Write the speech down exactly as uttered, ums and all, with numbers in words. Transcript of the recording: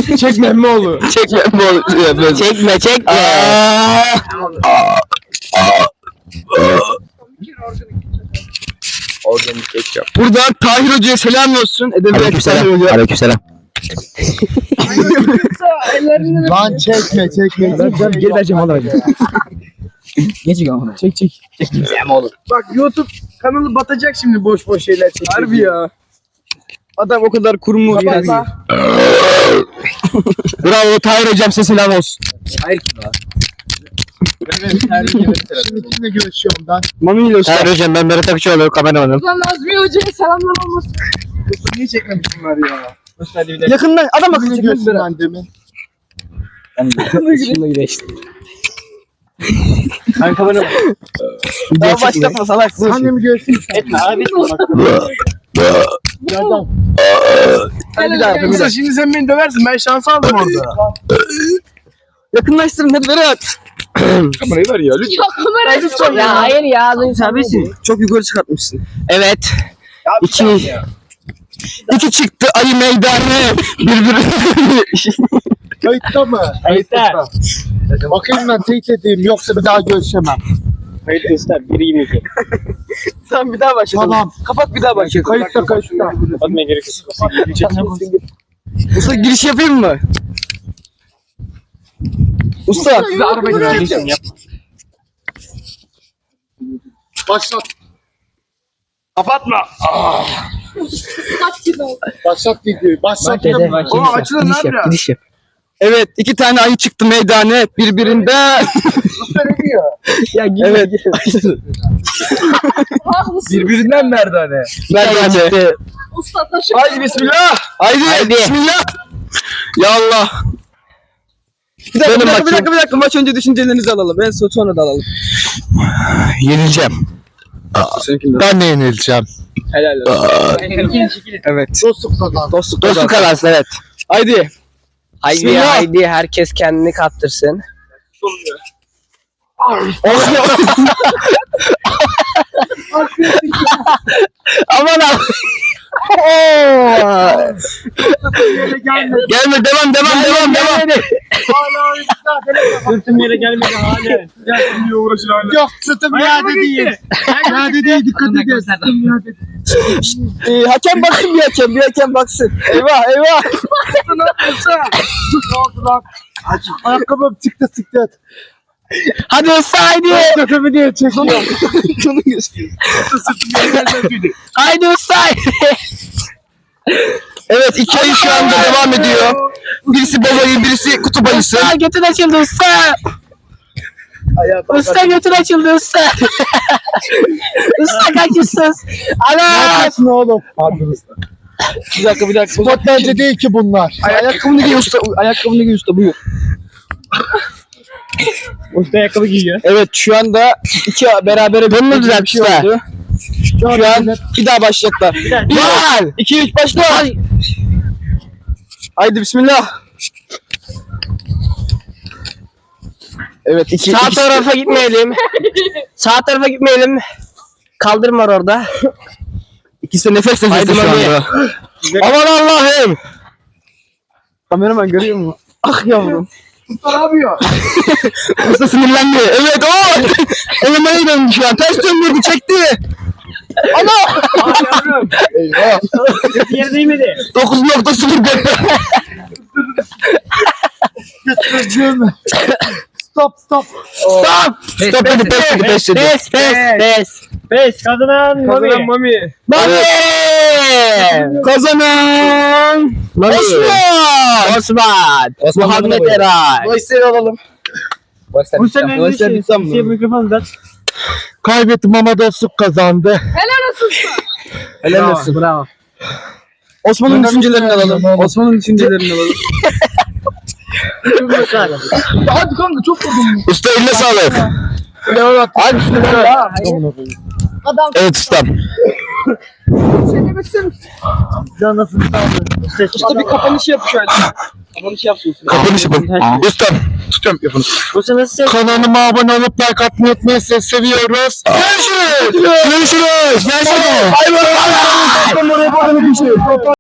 Çekme Emmoğlu. Çekme Emmoğlu. Çekme çekme. Organik ketçap. Buradan Tahir Hoca'ya selam olsun. Aleykümselam. Aleykümselam. Lan çekme çekme. Ben, ben geri vereceğim Allah hocam. Geçik ama. Çek çek. Emmoğlu. Bak YouTube kanalı batacak şimdi boş boş şeyler çekiyor. Harbi ya. Adam o kadar kurumu yani. Bravo Tahir Hocam, size selam olsun. Hayır kim lan? Şimdi kimle görüşüyorum ben? Mami ile Tahir Hocam, ben Berat Akçoğlu, kameramanım. Lan Nazmi Hoca'ya selamlar olmasın. Niye çekmemiş bunlar ya? Yakından adam akıllı çekmiş ben demin. Şimdi güneşti. Ben kameramanım. Daha başlatma salak. Sen de mi görsün? Etme abi. Adam. Hadi bir daha yapalım. Musa şimdi sen beni döversin. Ben şans aldım orada. Yakınlaştırın hadi Berat. Kamerayı ver ya lütfen. Ya kamerayı Ya hayır ya. Serbestsin. Çok yukarı çıkartmışsın. Evet. İki. İki çıktı ayı meydanı. Birbirine. Kayıtta mı? Kayıtta. Bakayım ben teyit edeyim yoksa bir daha görüşemem. Kayıt göster. Biri yirmi iki. Tamam bir daha başlayalım. Tamam. Kapat bir daha başlayalım. Kayıtta kayıtta. Atmaya gerek yok. Usta giriş yapayım mı? Usta. Size arabayı çekeceğim. Başlat. Kapatma. kaç kilo? Başlat videoyu. Başlat. Dede. Aa, açılın Gidiş lan yap. biraz. Gidiş yap. Evet, iki tane ayı çıktı meydana birbirinde. Ya evet. Haklısın. Birbirinden merdane. Merdane. Usta taşı. Haydi bismillah. Haydi, Haydi. bismillah. Ya Allah. Bir dakika, Benim bir dakika, bir bakayım. dakika, bir dakika. Maç önce düşüncelerinizi alalım. En son sonra da alalım. Yenileceğim. Ben de yenileceğim. Helal olsun. Evet. Dostluk kazandı. Dostluk Dostluk kazan. kazansın evet. Haydi. Haydi Bismillah. haydi herkes kendini kaptırsın. Aman abi. Gelme, devam, devam, devam, devam. Sırtım yere gelmedi hala. Yok, sırtım yerde değil. Yerde değil, dikkat edin. Ee, hakem baksın bir hakem, bir hakem baksın. Eyvah, eyvah. Ne yapıyorsun? Ne oldu lan? Ayakkabım çıktı, çıktı. Hadi usta haydi. Götümü diye çekiyor. Şunu gösteriyor. Haydi usta haydi. Evet, iki ayı şu anda devam ediyor. Birisi babayı, birisi kutup ayısı. Usta götün açıldı usta. Usta götün açıldı usta. Usta kaçırsız. Ana. Ne oğlum? Bir dakika, bir dakika. Spot bence değil ki bunlar. Ayakkabını giy usta, ayakkabını giy usta, buyur. Usta ayakkabı giyiyor. Evet, şu anda iki berabere Bunu mu bir düzelt şey usta? oldu. Şu an bir daha başlayacaklar. Bir, iki, üç, başla. Haydi bismillah. Evet, iki, Sağ iki- tarafa gitmeyelim. Sağ tarafa gitmeyelim. Kaldırım var orada. ikisi de nefes Haydi nefese şu Mami. anda. Aman Allah'ım. Kameraman görüyor mu? Ah yavrum. Usta ne yapıyor? Usta sinirlendi. Evet o. Elemeye döndü şu an. Ters döndürdü, çekti. Ana! Eyvah. Yer değmedi. dokuz nokta sıfır dört. Stop stop. Stop! Stop dedi, pes dedi, pes dedi. Pes pes pes. Pes kazanan Mami. Mami. Mami. Kazanan Mami. Osman. Osman. Osman Muhammed bana buyurun. Eray. Gösteri alalım. Bu sene Bu sene sen mi? mikrofonu da. Kaybettim ama dostluk kazandı. Helal olsun usta. Helal olsun. Bravo. Osman'ın düşüncelerini alalım. Osman'ın düşüncelerini alalım. Hadi kanka çok vurdum. Usta eline sağlık. Evet. Hadi bismillah. Adam Evet ustam. sen demek istiyorum. Usta bir kapanış yap şöyle. Kapanış yapsın. Kapanış yapın. Ustam. Tutuyorum yapın. Bu sene nasıl? Kanalıma abone olup like atmayı unutmayın. Sizi seviyoruz. Görüşürüz. Görüşürüz. Görüşürüz. Bay bay.